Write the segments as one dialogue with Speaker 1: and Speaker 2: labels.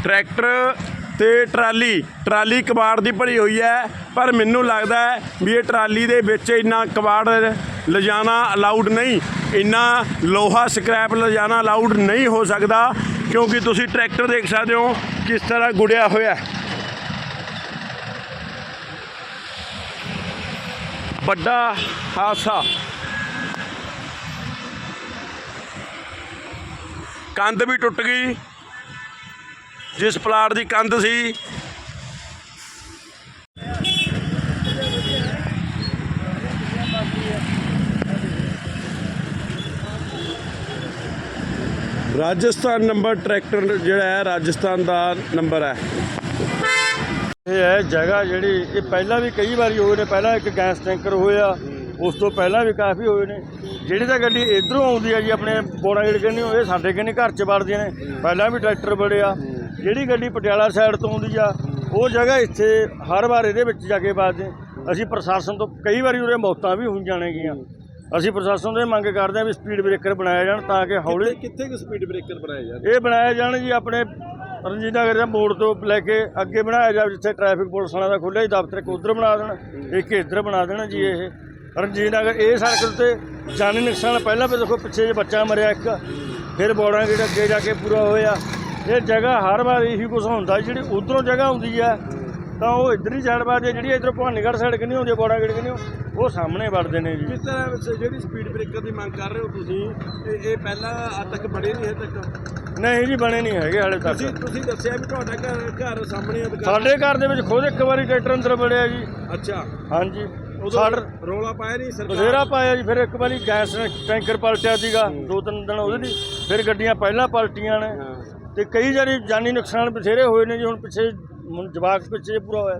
Speaker 1: Tractor ते trolley कबाड़ की भरी हुई है, पर मैनू लगता है भी ये ट्राली दे विच इन्ना कबाड़ लिजाना अलाउड नहीं, इन्ना लोहा स्क्रैप लिजाना अलाउड नहीं हो सकता, क्योंकि तुसी ट्रैक्टर देख सकते हो किस तरह गुड़िया होया। बड़ा हादसा, कंध भी टुट गई, जिस प्लाट की कंध सी राजस्थान नंबर ट्रैक्टर जिहड़ा है राजस्थान का नंबर है।
Speaker 2: ये है जगह जी, ये पहला भी कई बार होए ने, पहला एक गैस टैंकर होया, उस तो पहला भी काफ़ी होए ने। जिहड़ी तां गड्डी इधरों आउंदी है जी अपने बोड़ा गेड़ कन्नी, ये साडे कन्नी घर च वड़दियां ने, पहला भी ट्रैक्टर बड़े आ। जिहड़ी गड्डी पटियाला साइड तो आउंदी आ, वो जगह इत्थे हर बार इहदे विच जाके बाजदे। असीं प्रशासन तो कई बार उरे मौतां भी होई जाणगीਆਂ। असीं प्रशासन तो मंग करते हैं भी स्पीड ब्रेकर बनाए जाण, ताकि हौली
Speaker 1: कित्थे स्पीड ब्रेकर बनाए जाण।
Speaker 2: ये बनाए जाण जी अपने रंजीत नगर के मोड़ तो लैके अगे बनाया जाए, जिथे ट्रैफिक पुलिस वालों का खुलिया दफ्तर एक उधर बना देना, एक इधर बना देना जी। ये रंजीत नगर ये सड़क उत्ते जानी नुकसान पहला पे देखो, पिछे जो बच्चा मरिया एक, फिर बॉर्डर गेट अगे जाके पूरा होया। ये जगह हर बार यही कुछ होंदा, जी उधरों जगह आउंदी है तो वो इधर ही साइड बार जी इधर भवानीगढ़ साइड कन्नी होंदी, बॉर्डर गेट कन्नी वो सामने वड़ते हैं जी।
Speaker 1: किस तरह जी स्पीड ब्रेकर की मंग कर रहे हो तुसीं, ये पहला अज तक बने नहीं है तक?
Speaker 2: नहीं जी बने नहीं है हाले तक।
Speaker 1: तुसीं दस्सिया भी तुहाडा घर सामने
Speaker 2: साडे घर दे विच खुद एक बारी ट्रैक्टर अंदर वड़िया जी।
Speaker 1: अच्छा
Speaker 2: हाँ जी,
Speaker 1: रौला पाया नहीं सरकार?
Speaker 2: बथेरा पाया जी, फिर एक बारी गैस टैंकर पलटिया सीगा, 2-3 दिन ਉਹਦੇ फिर गड्डियां पहला पलटियां ने, ते कई जानी नुकसान बथेरे होए ने जी। हुण पिछे जवाक पिछे पूरा होया।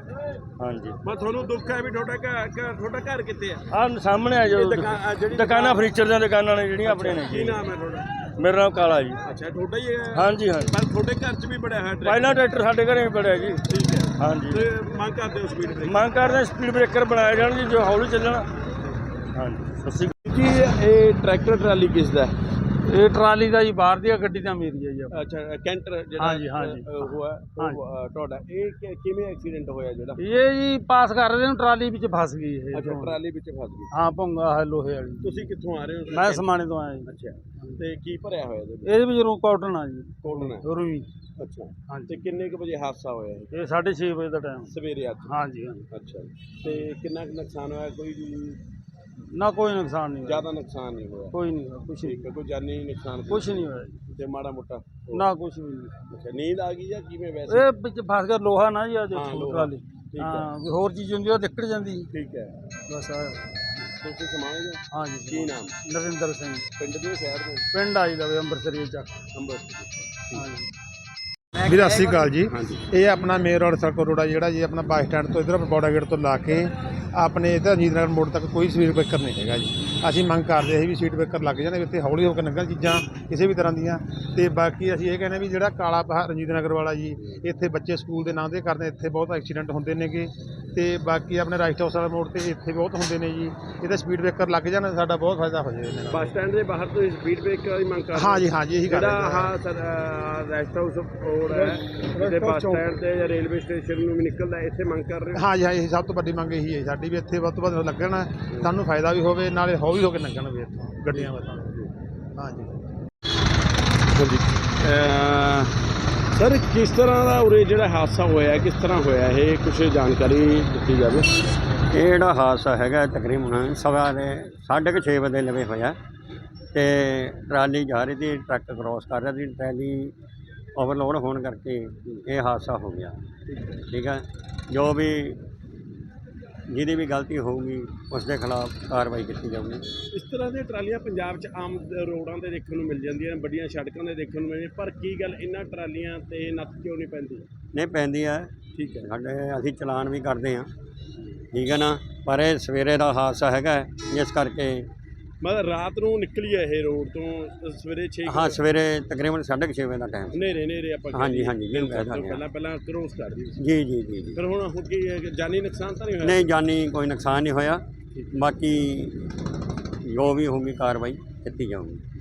Speaker 2: हाँ जी,
Speaker 1: मैं थोनू दुख है भी थोड़ा घर कित्थे है?
Speaker 2: आ सामने आ जो दुकाना फर्नीचर दी दुकानां ने ਜਿਹੜੀਆਂ ਆਪਣੇ ने।
Speaker 1: की नाम है थोड़ा?
Speaker 2: मेरा नाम काला जी।
Speaker 1: अच्छा, थोड़ा ही है?
Speaker 2: हाँ जी, हाँ जी।
Speaker 1: पर थोड़े घर च भी बड़ा है
Speaker 2: पहला ट्रैक्टर साडे घरे भी बड़िया जी।
Speaker 1: ठीक है,
Speaker 2: हाँ जी।
Speaker 1: ते मांग करते हो स्पीड ब्रेकर?
Speaker 2: मांग करते स्पीड ब्रेकर बनाए जाण जी, जो हौली ਚੱਲਣਾ। हाँ जी, सस्सी
Speaker 1: जी। ये ट्रैक्टर ट्राली किस दा है?
Speaker 2: ਇਹ ਟਰਾਲੀ ਦਾ ਜੀ ਬਾਹਰ ਦੀ ਗੱਡੀ ਦਾ ਮੇਰੀ ਹੈ ਜੀ।
Speaker 1: अच्छा, कैंटर
Speaker 2: हाँ जी, हाँ जी।
Speaker 1: हुआ ਤੁਹਾਡਾ ਇਹ ਕਿਵੇਂ ਐਕਸੀਡੈਂਟ ਹੋਇਆ ਜਿਹੜਾ?
Speaker 2: ਇਹ ਜੀ ਪਾਸ ਕਰ ਰਹੇ ਨੂੰ ਟਰਾਲੀ ਵਿੱਚ ਫਸ ਗਈ ਇਹ।
Speaker 1: ਅੱਛਾ, ਟਰਾਲੀ ਵਿੱਚ ਫਸ ਗਈ।
Speaker 2: ਹਾਂ, ਭੁੰਗਾ ਹੈ ਲੋਹੇ ਵਾਲੀ।
Speaker 1: ਤੁਸੀਂ ਕਿੱਥੋਂ ਆ ਰਹੇ ਹੋ?
Speaker 2: ਮੈਂ ਸਮਾਣੇ ਤੋਂ ਆਇਆ ਜੀ।
Speaker 1: ਅੱਛਾ, ਤੇ ਕੀ ਭਰਿਆ ਹੋਇਆ ਇਹਦੇ
Speaker 2: ਇਹਦੇ ਵਿੱਚ ਰੂ ਕਾਟਨ ਆ ਜੀ,
Speaker 1: ਕੋਲਨ ਹੈ?
Speaker 2: ਰੂਈ।
Speaker 1: ਅੱਛਾ,
Speaker 2: ਹਾਂ
Speaker 1: ਤੇ ਕਿੰਨੇ ਕੁ ਵਜੇ ਹਾਦਸਾ ਹੋਇਆ ਇਹ?
Speaker 2: ਇਹ 6:30 ਵਜੇ ਦਾ ਟਾਈਮ।
Speaker 1: ਸਵੇਰੇ ਅੱਜ?
Speaker 2: ਹਾਂ ਜੀ, ਹਾਂ।
Speaker 1: ਅੱਛਾ, ਤੇ ਕਿੰਨਾ ਕੁ ਨੁਕਸਾਨ ਹੋਇਆ? ਕੋਈ
Speaker 2: ਨਾ ਕੋਈ ਨੁਕਸਾਨ ਨਹੀਂ ਹੋਇਆ,
Speaker 1: ਜ਼ਿਆਦਾ ਨੁਕਸਾਨ ਨਹੀਂ ਹੋਇਆ?
Speaker 2: ਕੋਈ ਨਹੀਂ ਹੋਇਆ, ਕੁਛ
Speaker 1: ਠੀਕ ਹੈ, ਕੋਈ ਜਾਨੀ ਨੁਕਸਾਨ
Speaker 2: ਕੁਛ ਨਹੀਂ ਹੋਇਆ ਜੀ,
Speaker 1: ਤੇ ਮਾੜਾ ਮੋਟਾ?
Speaker 2: ਨਾ ਕੁਛ ਵੀ ਨਹੀਂ।
Speaker 1: ਅੱਛਾ, ਨੀਂਦ ਆ ਗਈ ਜਾਂ ਕਿਵੇਂ ਵੈਸੇ?
Speaker 2: ਇਹ ਵਿੱਚ ਫਸ ਗਿਆ ਲੋਹਾ ਨਾ ਜੀ, ਆ
Speaker 1: ਹਾਂ,
Speaker 2: ਦੇਖੋ
Speaker 1: ਲੋਹਾ।
Speaker 2: ਟਰਾਲੀ।
Speaker 1: ਠੀਕ
Speaker 2: ਹਾਂ,
Speaker 1: ਹੈ,
Speaker 2: ਵੀ ਹੋਰ ਚੀਜ਼ ਹੁੰਦੀ ਉਹ ਨਿਕਲ ਜਾਂਦੀ
Speaker 1: ਠੀਕ ਹੈ।
Speaker 2: ਬਸ।
Speaker 1: ਤੁਸੀਂ ਸਮਾਏ ਹੋ?
Speaker 2: ਹਾਂ ਜੀ।
Speaker 1: ਕੀ ਨਾਮ?
Speaker 2: ਨਰਿੰਦਰ ਸਿੰਘ,
Speaker 1: ਪਿੰਡ ਦੇ ਸ਼ਹਿਰ ਦੇ?
Speaker 2: ਪਿੰਡ ਆਈ ਦਾ ਅੰਮ੍ਰਿਤਸਰੀ ਚੱਕ।
Speaker 1: ਅੰਮ੍ਰਿਤਸਰ।
Speaker 2: ਹਾਂ ਜੀ।
Speaker 3: ਵੀਰ ਸਤਿ ਸ਼੍ਰੀ ਅਕਾਲ ਜੀ।
Speaker 1: ਹਾਂਜੀ।
Speaker 3: ਇਹ ਆਪਣਾ ਮੇਨ ਰੋਡ ਸੜਕ ਰੋਡ ਆ ਜਿਹੜਾ ਜੀ, ਆਪਣਾ ਬੱਸ ਸਟੈਂਡ ਤੋਂ ਇੱਧਰ ਬੌੜਾ ਗੇਟ ਤੋਂ ਲਾ ਕੇ ਆਪਣੇ ਇੱਧਰ ਰਣਜੀਤ ਨਗਰ ਮੋੜ ਤੱਕ ਕੋਈ ਸਪੀਡ ਬ੍ਰੇਕਰ ਨਹੀਂ ਹੈਗਾ ਜੀ। ਅਸੀਂ ਮੰਗ ਕਰਦੇ ਸੀ ਵੀ ਸਪੀਡ ਬ੍ਰੇਕਰ ਲੱਗ ਜਾਣ, ਇੱਥੇ ਹੌਲੀ ਹੋ ਕੇ ਲੰਘਣ ਚੀਜ਼ਾਂ ਕਿਸੇ ਵੀ ਤਰ੍ਹਾਂ ਦੀਆਂ। ਤੇ ਬਾਕੀ ਅਸੀਂ ਇਹ ਕਹਿੰਦੇ ਵੀ ਜਿਹੜਾ ਕਾਲਾ ਪਹਾੜ ਰਣਜੀਤ ਨਗਰ ਵਾਲਾ ਜੀ, ਇੱਥੇ ਬੱਚੇ ਸਕੂਲ ਦੇ ਨਾਂ ਦੇ ਕਰਦੇ, ਇੱਥੇ ਬਹੁਤ ਐਕਸੀਡੈਂਟ ਹੁੰਦੇ ਨੇਗੇ। ਤੇ ਬਾਕੀ ਆਪਣੇ ਰਾਈਟ ਹਾਊਸ ਵਾਲਾ ਮੋੜ ਤੇ ਇੱਥੇ ਬਹੁਤ ਹੁੰਦੇ ਨੇ ਜੀ। ਇਹਦੇ ਸਪੀਡ ਬ੍ਰੇਕਰ ਲੱਗ ਜਾਣ, ਸਾਡਾ ਬਹੁਤ ਫਾਇਦਾ ਹੋ ਜਾਵੇ।
Speaker 1: ਬੱਸ ਸਟੈਂਡ ਦੇ ਬਾਹਰ ਤੋਂ ਸਪੀਡ ਬ੍ਰੇਕਰ ਦੀ ਮੰਗ ਕਰਦੇ?
Speaker 3: ਹਾਂ ਜੀ, ਹਾਂ ਜੀ, ਇਹੀ ਗੱਲ ਹੈ।
Speaker 1: ਹਾਂ ਸਰ, ਰੈਸਟ ਹਾਊਸ ਰੋਡ ਹੈ ਤੇ ਬੱਸ ਸਟੈਂਡ ਤੇ ਜਾਂ ਰੇਲਵੇ ਸਟੇਸ਼ਨ ਨੂੰ ਵੀ ਨਿਕਲਦਾ, ਇੱਥੇ ਮੰਗ ਕਰ ਰਹੇ ਹੋ?
Speaker 3: ਹਾਂ ਜੀ, ਹਾਂ, ਇਹ ਸਭ ਤੋਂ ਵੱਡੀ ਮੰਗ ਇਹੀ ਹੈ ਸਾਡੀ, ਵੀ ਇੱਥੇ ਵੱਧ ਤੋਂ ਵੱਧ ਲੱਗਣ, ਸਾਨੂੰ ਫਾਇਦਾ ਵੀ ਹੋਵੇ, ਨਾਲੇ ਹੌਲੀ ਹੋ ਕੇ ਲੰਘਣ ਵੀ ਇੱਥੋਂ ਗੱਡੀਆਂ ਵੱਲੋਂ। ਹਾਂ ਜੀ।
Speaker 1: ਹਾਂਜੀ ਸਰ, ਕਿਸ ਤਰ੍ਹਾਂ ਦਾ ਉਰੇ ਜਿਹੜਾ ਹਾਦਸਾ ਹੋਇਆ, ਕਿਸ ਤਰ੍ਹਾਂ ਹੋਇਆ ਇਹ ਕੁਛ ਜਾਣਕਾਰੀ ਦਿੱਤੀ ਜਾਵੇ।
Speaker 4: ਇਹ ਜਿਹੜਾ ਹਾਦਸਾ ਹੈਗਾ ਤਕਰੀਬਨ ਸਵਾ ਦੇ 6:30 ਵਜੇ ਲਵੇ ਹੋਇਆ, ਤੇ ਟਰਾਲੀ ਜਾ ਰਹੀ ਸੀ, ਟਰੱਕ ਕ੍ਰੋਸ ਕਰ ਰਿਹਾ ਸੀ, ਟਰਾਲੀ ਓਵਰਲੋਡ ਹੋਣ ਕਰਕੇ ਇਹ ਹਾਦਸਾ ਹੋ ਗਿਆ। ਠੀਕ ਹੈ, ਜੋ ਵੀ ਜਿਹਦੀ ਵੀ ਗਲਤੀ ਹੋਊਗੀ ਉਸ ਦੇ ਖਿਲਾਫ ਕਾਰਵਾਈ ਕੀਤੀ ਜਾਊਗੀ।
Speaker 1: ਇਸ ਤਰ੍ਹਾਂ ਦੀਆਂ ਟਰਾਲੀਆਂ ਪੰਜਾਬ 'ਚ ਆਮ ਰੋਡਾਂ 'ਤੇ ਦੇਖਣ ਨੂੰ ਮਿਲ ਜਾਂਦੀਆਂ ਨੇ, ਵੱਡੀਆਂ ਸੜਕਾਂ 'ਤੇ ਦੇਖਣ ਨੂੰ ਮਿਲਦੀਆਂ, ਪਰ ਕੀ ਗੱਲ ਇਹਨਾਂ ਟਰਾਲੀਆਂ 'ਤੇ ਨੱਥ ਕਿਉਂ ਨਹੀਂ ਪੈਂਦੀ?
Speaker 4: ਨਹੀਂ ਪੈਂਦੀ ਹੈ,
Speaker 1: ਠੀਕ ਹੈ,
Speaker 4: ਸਾਡੇ ਅਸੀਂ ਚਲਾਨ ਵੀ ਕਰਦੇ ਹਾਂ, ਠੀਕ ਹੈ ਨਾ, ਪਰ ਇਹ ਸਵੇਰੇ ਦਾ ਹਾਦਸਾ ਹੈਗਾ, ਜਿਸ ਕਰਕੇ
Speaker 1: ਮਤਲਬ ਰਾਤ ਨੂੰ ਨਿਕਲੀ ਹੈ ਇਹ ਰੋਡ ਤੋਂ ਸਵੇਰੇ 6?
Speaker 4: ਹਾਂ, ਸਵੇਰੇ ਤਕਰੀਬਨ 6:30 ਵਜੇ ਦਾ ਟਾਈਮ।
Speaker 1: ਨੇਰੇ ਆਪਾਂ
Speaker 4: ਹਾਂਜੀ, ਹਾਂਜੀ, ਜਿਹਨੂੰ ਕਹਿ ਸਕਦੇ ਹਾਂ।
Speaker 1: ਪਹਿਲਾਂ ਕ੍ਰੋਸ ਕਰਦੀ ਸੀ।
Speaker 4: ਜੀ ਜੀ ਜੀ ਜੀ।
Speaker 1: ਫਿਰ ਹੁਣ ਕੀ ਜਾਨੀ ਨੁਕਸਾਨ ਤਾਂ ਨਹੀਂ ਹੋਇਆ?
Speaker 4: ਨਹੀਂ, ਜਾਨੀ ਕੋਈ ਨੁਕਸਾਨ ਨਹੀਂ ਹੋਇਆ, ਬਾਕੀ ਜੋ ਵੀ ਹੋਊਗੀ ਕਾਰਵਾਈ ਕੀਤੀ ਜਾਊਗੀ।